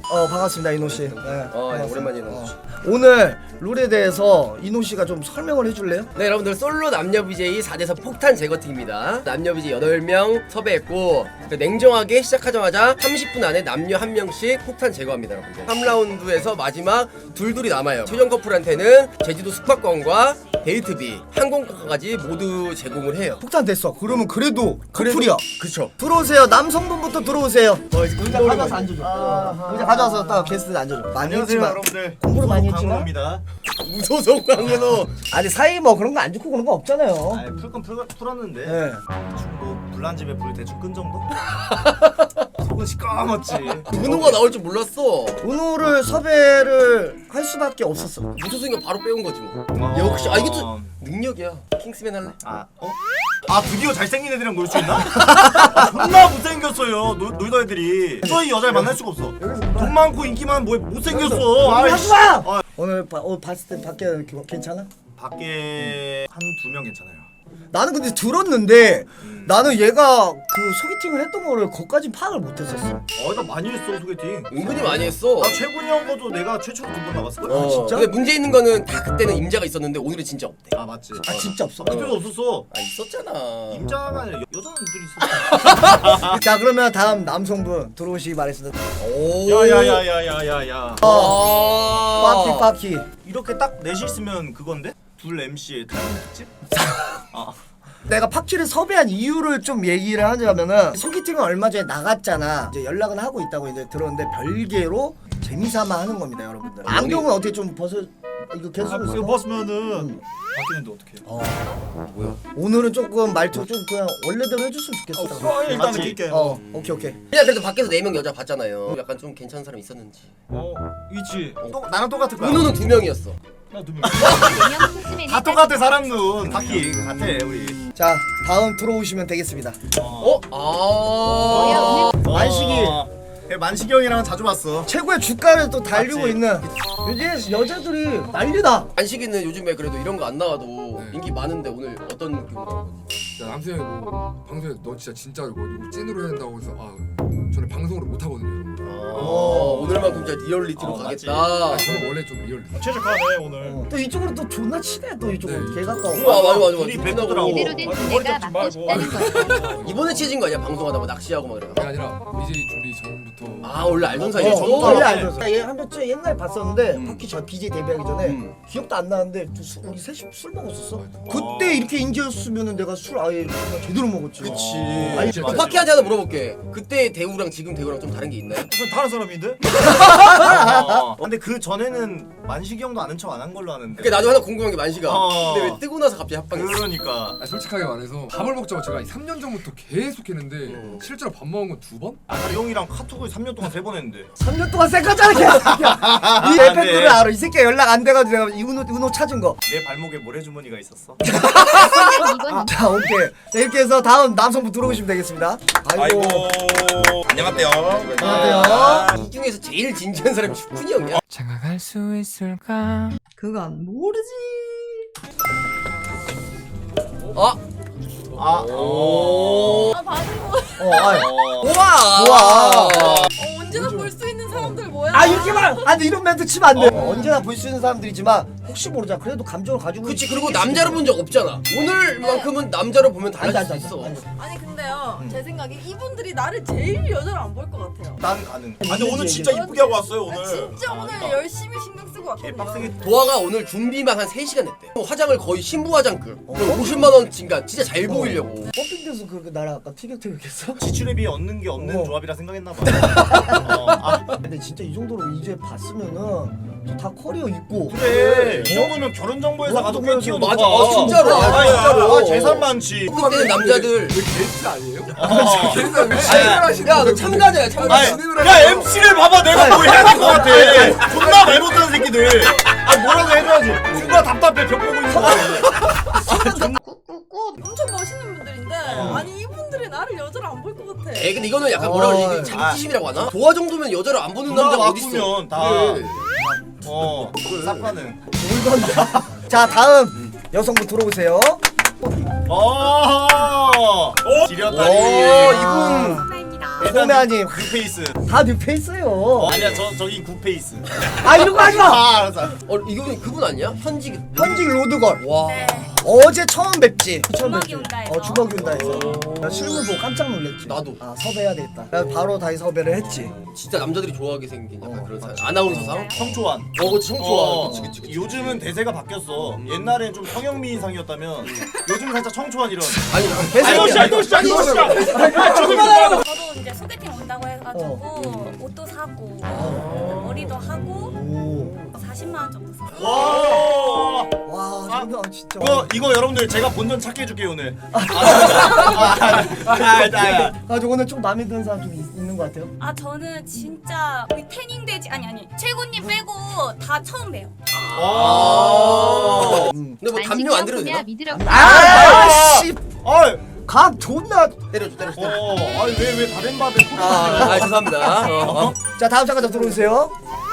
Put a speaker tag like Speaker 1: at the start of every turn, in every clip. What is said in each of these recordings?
Speaker 1: 반갑습니다 이노씨. 네,
Speaker 2: 오랜만에 이노씨.
Speaker 1: 오늘 룰에 대해서 이노씨가 좀 설명을 해줄래요?
Speaker 2: 네, 여러분들 솔로 남녀 BJ 4대4 폭탄 제거팀입니다. 남녀 BJ 8명 섭외했고 냉정하게 시작하자마자 30분 안에 남녀 1명씩 폭탄 제거합니다. 여러분들 3라운드에서 마지막 둘둘이 남아요. 최종 커플한테는 제주도 숙박권과 데이트비, 항공권까지 모두 제공을 해요.
Speaker 1: 폭탄 됐어. 그러면 그래도 커플이야.
Speaker 2: 그쵸.
Speaker 1: 들어오세요. 남성분부터 들어오세요. 의자 가져와서 앉아줘. 의자 가져와서 딱 게스트 앉아줘. 많이 했지만
Speaker 3: 여러분들.
Speaker 1: 공부를 많이 했지만
Speaker 3: 강은호입니다.
Speaker 2: 무소속 강은호.
Speaker 1: 아니 사이 뭐 그런 거 안 좋고 그런 거 없잖아요.
Speaker 3: 아니 풀건 풀었는데
Speaker 1: 네.
Speaker 3: 중고 불난 집에 불 대충 끈 정도? 속은 시꺼멓지.
Speaker 2: 은호가 나올 줄 몰랐어.
Speaker 1: 은호를 섭외를 할 수밖에 없었어.
Speaker 2: 무소속이가 바로 빼온 거지 뭐. 역시 이게 또 능력이야. 킹스맨 할래?
Speaker 3: 아 드디어 잘생긴 애들이랑 놀 수 있나? 존나 못생겼어요 놀던 애들이. 저희 여자를 만날 수가 없어. 돈 많고 인기 많은 뭐 못생겼어.
Speaker 1: 하지 마! 오늘 봤을 때 밖에 괜찮아?
Speaker 3: 밖에 한 2명 괜찮아요.
Speaker 1: 나는 근데 들었는데 나는 얘가 그 소개팅을 했던 거를 거기까지 파악을 못했었어.
Speaker 3: 나 많이 했어 소개팅.
Speaker 2: 은근히 많이 했어.
Speaker 3: 나 최군이 형 거도 내가 최초로 2번 나갔을걸?
Speaker 1: 아, 진짜?
Speaker 2: 근데 문제 있는 거는 다 그때는 임자가 있었는데 오늘은 진짜 없대.
Speaker 3: 아 맞지.
Speaker 1: 아 진짜 없어.
Speaker 3: 그때도 없었어.
Speaker 2: 있었잖아.
Speaker 3: 임자가 아니라 여자분들이 있었어.
Speaker 1: 자 그러면 다음 남성분 들어오시기 바랬습니다.
Speaker 2: 오.
Speaker 3: 야야야야야야야.
Speaker 1: 파키.
Speaker 3: 이렇게 딱 넷이 있으면 그건데? 둘 MC의 탈북 특집?
Speaker 1: 내가 파키를 섭외한 이유를 좀 얘기를 하자면은 소개팅은 얼마 전에 나갔잖아. 이제 연락은 하고 있다고 이제 들었는데 별개로 재미삼아 하는 겁니다, 여러분들. 안경은 어떻게 좀 벗어? 이거 계속
Speaker 3: 이거 벗으면은 바뀌는데 어떡해.
Speaker 2: 뭐야?
Speaker 1: 오늘은 조금 말투 좀 그냥 원래대로 해줬으면 좋겠어.
Speaker 3: 일단 느낄게.
Speaker 1: 오케이.
Speaker 2: 그냥 그래도 밖에서 4명 여자 봤잖아요. 약간 좀 괜찮은 사람 있었는지.
Speaker 3: 있지. 나랑 똑같을 거야.
Speaker 2: 은호는 2명이었어.
Speaker 3: 나 2명. 다 똑같아 사람 눈. 바퀴 같아 우리.
Speaker 1: 자 다음 들어오시면 되겠습니다. 만식이.
Speaker 3: 만식이 형이랑은 자주 봤어.
Speaker 1: 최고의 주가를 또 달리고
Speaker 3: 맞지?
Speaker 1: 있는 요즘 여자들이 난리다.
Speaker 2: 안식이는 요즘에 그래도 이런 거 안 나와도 인기 많은데 오늘 어떤 느낌으로 나온 거지?
Speaker 4: 야 남승이 뭐 방송에 너 진짜 이거 찐으로 해야 된다고 해서 저는 방송으로 못 하거든요.
Speaker 2: 오늘만큼 진짜 리얼리티로
Speaker 3: 맞지.
Speaker 2: 가겠다.
Speaker 4: 저는 원래 좀 리얼.
Speaker 3: 최적화네 오늘.
Speaker 1: 또 이쪽으로 또 존나 치네. 또 이쪽으로
Speaker 4: 네.
Speaker 1: 개 가까워.
Speaker 2: 맞아.
Speaker 3: 우리 배포더라고.
Speaker 5: 제대로 된 두뇌가 맞고 싶다는 거예요.
Speaker 2: 이번에 치진 거 아니야? 방송하다 뭐 낚시하고 막
Speaker 4: 그게
Speaker 2: 그래.
Speaker 4: 아니라 BJ 준비 전부터
Speaker 2: 원래 알던 사이야.
Speaker 1: 원래 알죠. 얘 한번 옛날에 봤었는데 파키 저 BJ 데뷔하기 전에 기억도 안 나는데 우리 셋이 술 먹었었어. 그때 이렇게 인기였으면은 내가 술 아예 그냥 제대로 먹었지.
Speaker 2: 그치.
Speaker 1: 아니,
Speaker 2: 파키한테 하나 물어볼게. 그때 대우랑 지금 대우랑 좀 다른 게 있나요?
Speaker 3: 그건 다른 사람인데? 근데 그 전에는 만식이 형도 아는 척 안 한 걸로 아는데.
Speaker 2: 그게 나도 하나 궁금한 게 만시가.
Speaker 3: 어.
Speaker 2: 근데 왜 뜨고 나서 갑자기 합방했어?
Speaker 3: 그러니까.
Speaker 4: 솔직하게 말해서 밥을 먹자고 제가 3년 전부터 계속 했는데 실제로 밥 먹은 건 2번?
Speaker 3: 그 형이랑 카톡을 3년 동안 3번 했는데.
Speaker 1: 3년 동안 쌩까잖아 개새끼야. 이 에펙트를 알아. 이 새끼 연락 안 돼가지고 내가 은호 찾은 거.
Speaker 3: 내 발목에 모래주머니가 있었어.
Speaker 1: 자 오케이. 네, 이렇게 해서 다음 남성분 들어오시면 되겠습니다. 아이고.
Speaker 3: 안녕하세요.
Speaker 1: 안녕하세요.
Speaker 2: 이 중에서 제일 진지한 사람이 슈쿤이 형이야.
Speaker 6: 장가갈 수 있을까?
Speaker 1: 그건 모르지.
Speaker 2: 우와.
Speaker 7: 언제나 볼 수 있는 사람들 뭐야?
Speaker 1: 이렇게 말. 근데 이런 멘트 치면 안 돼. 언제나 볼 수 있는 사람들이지만 혹시 모르잖아. 그래도 감정을 가지고.
Speaker 2: 그치. 그리고 남자로 본 적 없잖아. 오늘만큼은 남자로 보면 달라질 수
Speaker 1: 앉아.
Speaker 2: 있어.
Speaker 7: 아니 근데요 제 생각에 이분들이 나를 제일 여자로 안 볼 것 같아요.
Speaker 3: 난 가능. 근데 오늘 진짜 이쁘게 하고 왔어요 오늘.
Speaker 7: 진짜 오늘 열심히 신경 쓰고 왔거든요.
Speaker 3: 빡세게.
Speaker 2: 도화가 오늘 준비만 한 3시간 했대. 화장을 거의 신부 화장급. 50만 원 진가 진짜 잘 보이려고.
Speaker 1: 펌핑돼서 그 나랑 아까 티격태격했어?
Speaker 3: 지출에 비해 얻는 게 없는 조합이라 생각했나 봐.
Speaker 1: 근데 진짜 이 정도로 이제 봤으면은 다 커리어 있고.
Speaker 3: 그래. 이 정도면 결혼 정보회사 가도 꽤 튀어.
Speaker 2: 맞아. 진짜로. 진짜로.
Speaker 3: 재산 많지.
Speaker 2: 그때는 남자들.
Speaker 4: 게스트 아니에요?
Speaker 2: 야, 너 참가자야, 참가자.
Speaker 3: 야 MC를 봐봐 내가 뭐 해야 될 것 같아. 존나 말 못하는 새끼들. 뭐라고 해줘야지. 존나 답답해 벽 보고 있는 거.
Speaker 7: 엄청 멋있는 분들인데 아니 이분들이 나를 여자로 안 볼 것 같아.
Speaker 2: 근데 이거는 약간 뭐라 그러지? 자기치심이라고 하나? 도화 정도면 여자를 안 보는 남자가 어딨어?
Speaker 3: 바꾸면 다. 쌉가능.
Speaker 1: 자 다음 여성분 들어오세요.
Speaker 3: 지렸다니.
Speaker 2: 이분.
Speaker 7: 선생님
Speaker 5: 감사합니다.
Speaker 1: 소매아님
Speaker 3: 구페이스.
Speaker 1: 다 뉴페이스예요.
Speaker 3: 아니야 저기 구페이스.
Speaker 1: 아 이런 거 하지 마.
Speaker 3: 아 알았어.
Speaker 2: 이거 그분 아니야? 현직.
Speaker 1: 현직 로드걸.
Speaker 2: 와.
Speaker 1: 어제 처음 뵙지.
Speaker 5: 주먹이 온다에서.
Speaker 1: 주먹이 온다에서. 나 실물 보고 깜짝 놀랐지.
Speaker 2: 나도.
Speaker 1: 아 섭외해야 되겠다. 그래서 바로 다시 섭외를 했지.
Speaker 2: 진짜 남자들이 좋아하게 생긴 약간 그런 사람. 아나운서상.
Speaker 3: 청초한.
Speaker 2: 그치 청초한. 그치.
Speaker 3: 요즘은 대세가 바뀌었어. 옛날엔 좀 성형미인상이었다면 요즘 살짝 청초한 이런.
Speaker 2: 아니
Speaker 5: 저도 이제 소개팅 온다고 해가지고 옷도 사고 머리도 하고
Speaker 1: 오.
Speaker 5: 40만 원 정도 샀어요.
Speaker 3: 와.
Speaker 1: 와 장난 진짜.
Speaker 3: 이거 여러분들 제가 본전 찾게 해줄게요 오늘. 아,
Speaker 1: 저 오늘 좀 마음에 드는 사람 좀 있는 것 같아요.
Speaker 5: 아 저는 진짜 우리 태닝 돼지 아니 최고님 빼고 다 처음 봬요.
Speaker 2: 근데 뭐 담요 안 들어도 되나?
Speaker 1: 아씨.
Speaker 3: 아,
Speaker 1: 각 존나.
Speaker 2: 때려줘.
Speaker 3: 아니 왜 다른 밥에 소리
Speaker 2: 아 죄송합니다.
Speaker 1: 자 다음 잠깐 더 들어오세요.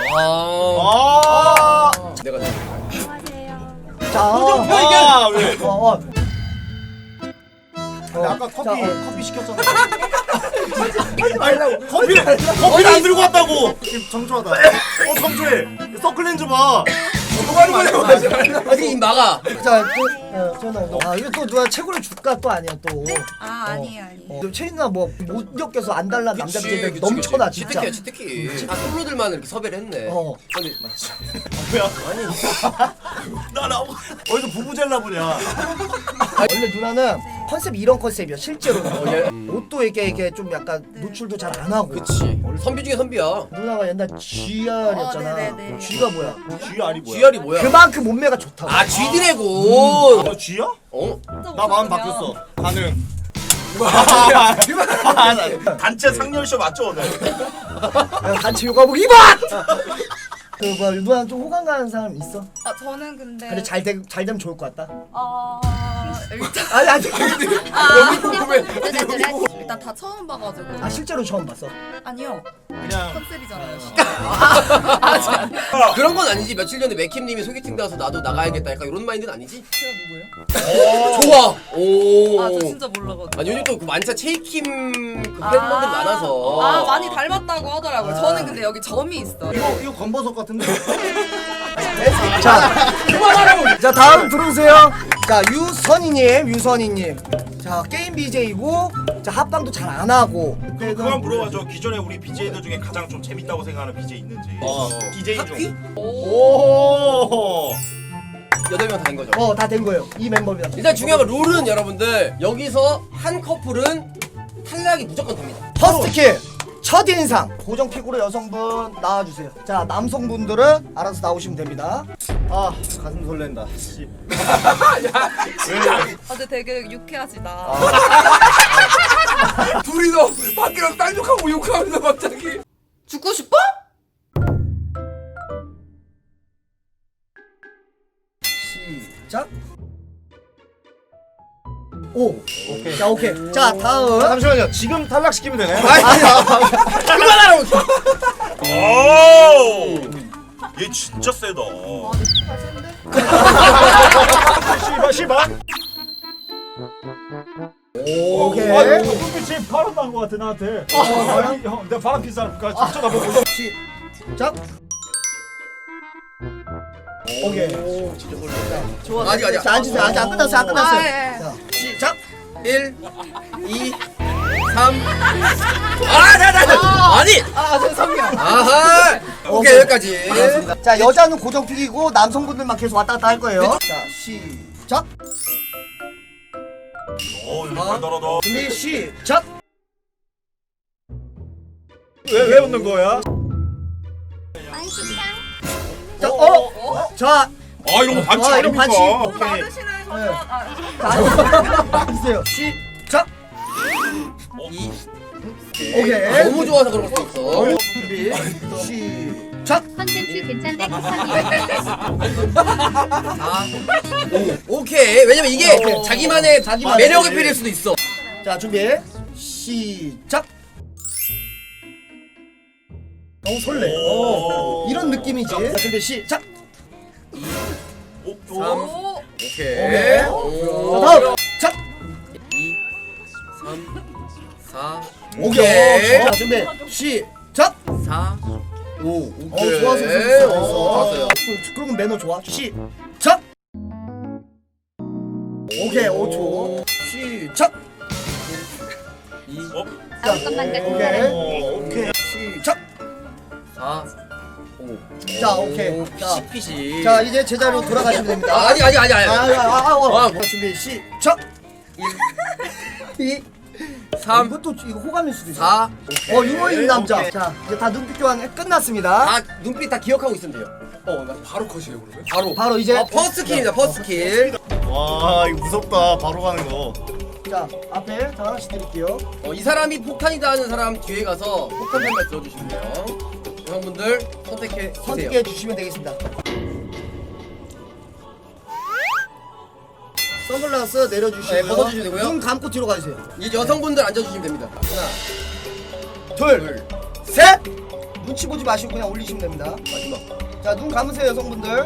Speaker 3: 아.
Speaker 2: 내가
Speaker 5: 안녕하세요.
Speaker 1: 자.
Speaker 3: 왜?
Speaker 1: 근데
Speaker 3: 아까 커피 시켰잖아.
Speaker 1: 하지 말라고.
Speaker 3: 커피를 안 들고 왔다고. 지금 청초하다. 청초해. 서클렌즈 봐.
Speaker 2: 어디 입 막아.
Speaker 1: 자, 전화. 아 이거 또 누가 최고를 줄까 또 아니야 또.
Speaker 7: 아 아니에요.
Speaker 1: 체인 누나 뭐못 엮여서 안 달란 남자들이
Speaker 2: 그치,
Speaker 1: 넘쳐나
Speaker 2: 그치.
Speaker 1: 진짜.
Speaker 2: 치트키. 다 솔로들만 이렇게 섭외를 했네.
Speaker 1: 아니
Speaker 3: 뭐야? 나 어디서 부부젤라 보냐?
Speaker 1: 원래 누나는 컨셉이 이런 컨셉이야 실제로.
Speaker 2: 예.
Speaker 1: 옷도 이게 좀 약간 노출도 잘 안 하고.
Speaker 2: 그치. 선비 중에 선비야.
Speaker 1: 누나가 옛날 GR이었잖아.
Speaker 7: 네네네.
Speaker 1: G가 뭐야?
Speaker 3: 쥐알이 뭐야?
Speaker 2: GR이 뭐야?
Speaker 1: 그만큼 몸매가 좋다고.
Speaker 2: 아 G드래곤.
Speaker 3: 너 쥐야?
Speaker 2: 어?
Speaker 3: 나 마음 바뀌었어. 가능. 단체 상렬쇼 맞죠 오늘?
Speaker 1: 단체 요가복 입어! 그 뭐야 누나 좀 호감 가는 사람 있어?
Speaker 7: 아 저는 근데
Speaker 1: 근데 잘 되면 좋을 것 같다.
Speaker 7: 일단
Speaker 1: 아니
Speaker 7: 일단 다 처음 봐가지고
Speaker 1: 아 실제로 처음 봤어.
Speaker 7: 아니요
Speaker 3: 그냥
Speaker 7: 컨셉이잖아요.
Speaker 2: 그런 건 아니지. 며칠 전에 맥킴님이 소개팅 가서 나도 나가야겠다. 약간 이런 마인드는 아니지?
Speaker 7: 제가 누구예요?
Speaker 2: 좋아. 오.
Speaker 7: 아 저 진짜 몰라가지고.
Speaker 2: 아니 요즘 또그 만차 체이킴 그 팬분들 많아서.
Speaker 7: 아 많이 닮았다고 하더라고요. 저는 근데 여기 점이 있어.
Speaker 3: 이거 건버섯 같은데?
Speaker 1: 자 그만하라고. 자 다음 들어오세요. 자 유선이님. 자 게임 BJ고 자 합방도 잘 안 하고.
Speaker 3: 그만 물어봐줘. 기존에 우리 BJ들 중에 가장 좀 재밌다고 생각하는 BJ 있는지. BJ
Speaker 2: 하피?
Speaker 3: 중. 오.
Speaker 2: 8명 다 된 거죠.
Speaker 1: 다 된 거예요. 이 멤버입니다.
Speaker 2: 일단 중요한 건 룰은 여러분들 여기서 한 커플은 탈락이 무조건 됩니다.
Speaker 1: 퍼스트킬 첫인상 고정 픽으로 여성분 나와주세요. 자 남성분들은 알아서 나오시면 됩니다.
Speaker 3: 아 가슴 설렌다. 씨.
Speaker 7: 근데 되게 유쾌하시다.
Speaker 4: 둘이서 밖에서 딴욕하고 욕하면서 갑자기
Speaker 7: 죽고 싶어?
Speaker 1: 시작. 오케이. 자 오케이. 자 다음.
Speaker 3: 잠시만요. 지금 탈락시키면 되나요?
Speaker 2: 그만하라고.
Speaker 3: 오! 얘 진짜 세다. 씨발.
Speaker 1: 오케이.
Speaker 3: 눈빛이 바람 난거 같아 나한테. 형, 내가 바람 핀 사람까지 쳐다보고.
Speaker 1: 시작. 오케이.
Speaker 7: 좋아.
Speaker 2: 아직.
Speaker 1: 자 앉으세요. 아직 안 끝났어요. 안 끝났어요.
Speaker 7: 아, 예.
Speaker 1: 자 시작.
Speaker 2: 1, 2, 3. 아니.
Speaker 1: 죄송해요.
Speaker 2: 아하. 오케이 여기까지.
Speaker 1: 알겠습니다. 자 여자는 고정 픽이고 남성분들만 계속 왔다 갔다 할 거예요. 자 시작.
Speaker 3: 여기 달달하다.
Speaker 1: 준비 시작.
Speaker 3: 왜 웃는 거야?
Speaker 1: 자 자.
Speaker 3: 아 이런 거 반칙
Speaker 1: 이런
Speaker 3: 아닙니까?
Speaker 1: 반칙.
Speaker 7: 받으시는 거죠?
Speaker 1: 자 시작.
Speaker 2: 2.
Speaker 1: 오케이.
Speaker 2: 너무 좋아서 그런 걸 수도 있어.
Speaker 1: 준비 시작.
Speaker 5: 컨텐츠 괜찮네 쿠팡이.
Speaker 2: 4. 5. 오케이. 왜냐면 이게
Speaker 1: 오케이.
Speaker 2: 자기만의
Speaker 1: 자기만의
Speaker 2: 매력을 빌릴 수도 있어.
Speaker 1: 자 준비 시작. 너무 설레. 이런 느낌이지. 자 준비 시작.
Speaker 2: 3.
Speaker 7: 오.
Speaker 2: 오케이.
Speaker 1: 오케이.
Speaker 2: 오.
Speaker 1: 자 다음 자
Speaker 2: 2, 3, 4
Speaker 1: 오케이. 자, 준비. 시작.
Speaker 2: 4 5
Speaker 1: 좋았어, 좋았어. 그러면 매너 좋아. 시작. 오케이, 5초. 시작.
Speaker 2: 2
Speaker 1: 오케이. 시작.
Speaker 2: 4 5
Speaker 1: 자, 오케이. 자.
Speaker 2: 피시
Speaker 1: 자, 이제 제자리로 돌아가시면 됩니다.
Speaker 2: 아니
Speaker 1: 준비. 시작. 2
Speaker 2: 3
Speaker 1: 이것도 이거 호감일 수도 있어.
Speaker 2: 4
Speaker 1: 유머 있는 남자. 자, 이제 다 눈빛 교환 끝났습니다.
Speaker 2: 다 눈빛 다 기억하고 있으면 돼요.
Speaker 4: 바로 컷이에요 그러면?
Speaker 1: 바로 이제
Speaker 2: 퍼스트 킬입니다. 퍼스트 킬.
Speaker 3: 와 이거 무섭다. 바로 가는 거.
Speaker 1: 자, 앞에 자 하나씩 드릴게요.
Speaker 2: 이 사람이 폭탄이다 하는 사람 뒤에 가서 폭탄 한 발 들어주시면 돼요. 여성분들 선택해 주세요.
Speaker 1: 선택해 주시면 되겠습니다. 선글라스 내려주시고요.
Speaker 2: 네, 벗어주시면 되고요.
Speaker 1: 눈 감고 뒤로 가주세요.
Speaker 2: 이제 여성분들 앉아주시면 됩니다. 하나,
Speaker 1: 둘,
Speaker 2: 둘,
Speaker 1: 셋. 눈치 보지 마시고 그냥 올리시면 됩니다.
Speaker 2: 마지막.
Speaker 1: 자, 눈 감으세요, 여성분들.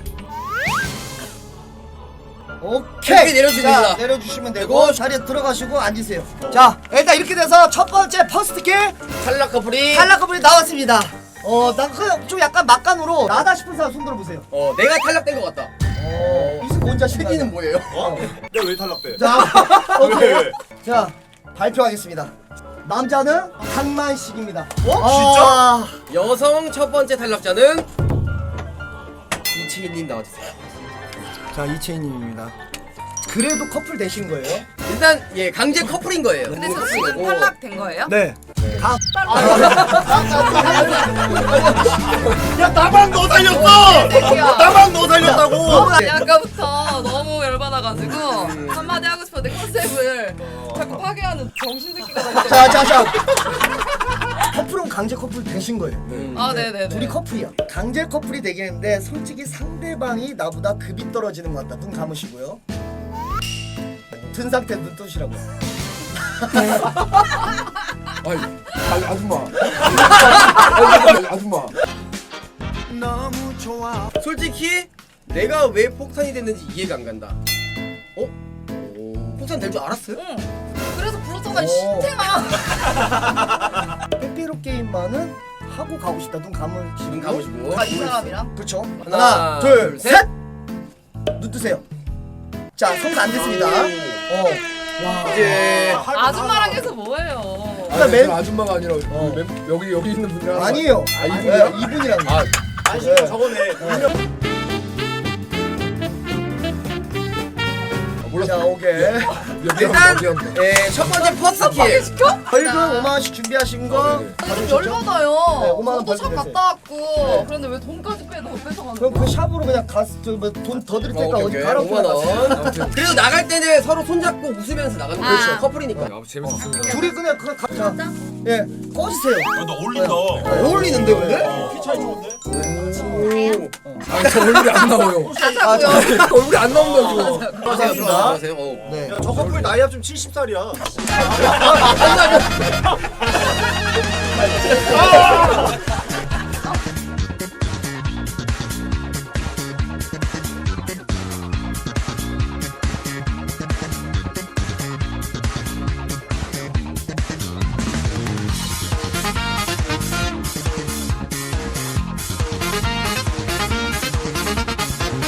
Speaker 2: 이렇게
Speaker 1: 오케이.
Speaker 2: 내려주시면
Speaker 1: 자,
Speaker 2: 됩니다.
Speaker 1: 내려주시면 되고
Speaker 2: 그리고
Speaker 1: 자리에 들어가시고 앉으세요. 자, 일단 이렇게 돼서 첫 번째 퍼스트 킬
Speaker 2: 탈락 커플이.
Speaker 1: 탈락 커플이 나왔습니다. 좀 약간 막간으로 나다 싶은 사람 손 들어보세요.
Speaker 2: 내가 탈락된 것 같다.
Speaker 1: 이승 뭔
Speaker 2: 세기는 뭐예요?
Speaker 3: 내가 왜 탈락돼?
Speaker 1: 자, 오케이.
Speaker 3: 왜?
Speaker 1: 자, 발표하겠습니다. 남자는 강만식입니다.
Speaker 3: 진짜?
Speaker 2: 여성 첫 번째 탈락자는 이채희님 나와주세요.
Speaker 1: 자, 이채희님입니다. 그래도 커플 되신 거예요?
Speaker 2: 일단 강제 커플인 거예요.
Speaker 7: 근데 저 지금 탈락된 거예요?
Speaker 1: 네.
Speaker 3: 야 나만 너 살렸어! 나만 너 살렸다고!
Speaker 7: 아니 아까부터 너무 열받아가지고 한마디 하고 싶었는데 컨셉을 자꾸 파괴하는 정신새끼가 나고.
Speaker 1: 자. 커플은 강제 커플 되신 거예요.
Speaker 7: 아 네네네.
Speaker 1: 둘이 커플이야. 강제 커플이 되겠는데 솔직히 상대방이 나보다 급이 떨어지는 것 같다. 눈 감으시고요. 든 상태 눈 뜨시라고.
Speaker 4: 아니 아줌마. 아줌마.
Speaker 2: 솔직히 내가 왜 폭탄이 됐는지 이해가 안 간다. 폭탄 될 줄 알았어요?
Speaker 7: 응. 그래서 불렀잖아 신탱아.
Speaker 1: 빼빼로 게임만은 하고 가고 싶다. 눈 감으시고.
Speaker 2: 눈 감으시고.
Speaker 7: 이 사람이랑.
Speaker 1: 그렇죠.
Speaker 2: 하나,
Speaker 1: 둘,
Speaker 2: 둘,
Speaker 1: 셋. 눈 뜨세요. 자, 성공 안 됐습니다.
Speaker 2: 이제
Speaker 7: 아줌마랑 해서 뭐예요?
Speaker 1: 그러니까 맨-
Speaker 4: 아줌마가 아니라 여기 있는 분이랑
Speaker 1: 아니에요.
Speaker 4: 이분이요?
Speaker 1: 이분이랑.
Speaker 3: 안식이가 저거네.
Speaker 1: 자, 오케이.
Speaker 2: 일단 첫 번째 퍼스트 킬.
Speaker 1: 벌금 5만 원씩 준비하신 거.
Speaker 7: 좀 열받아요.
Speaker 1: 네, 5만 원
Speaker 7: 포토샵
Speaker 1: 벌금
Speaker 7: 갔다 왔고 그런데 왜 돈까지 뺏어가는
Speaker 1: 그럼
Speaker 7: 거야?
Speaker 1: 그 샵으로 그냥 돈 더 드릴 테니까 어디 가라.
Speaker 2: 5만 원. 그리고 나갈 때는 서로 손잡고 웃으면서 나가는 거죠.
Speaker 7: 아.
Speaker 2: 커플이니까.
Speaker 4: 재밌었습니다.
Speaker 1: 둘이 그냥 그 자, 예, 꺼주세요.
Speaker 3: 너 어울린다.
Speaker 1: 어울리는데 근데?
Speaker 3: 키 차이 좋은데?
Speaker 4: 저 얼굴이 안 나와요.
Speaker 7: 가자고요.
Speaker 4: 얼굴이 안 나온다고.
Speaker 2: 들어가세요.
Speaker 1: 네.
Speaker 3: 야, 저 커플 나이 합좀 70살이야.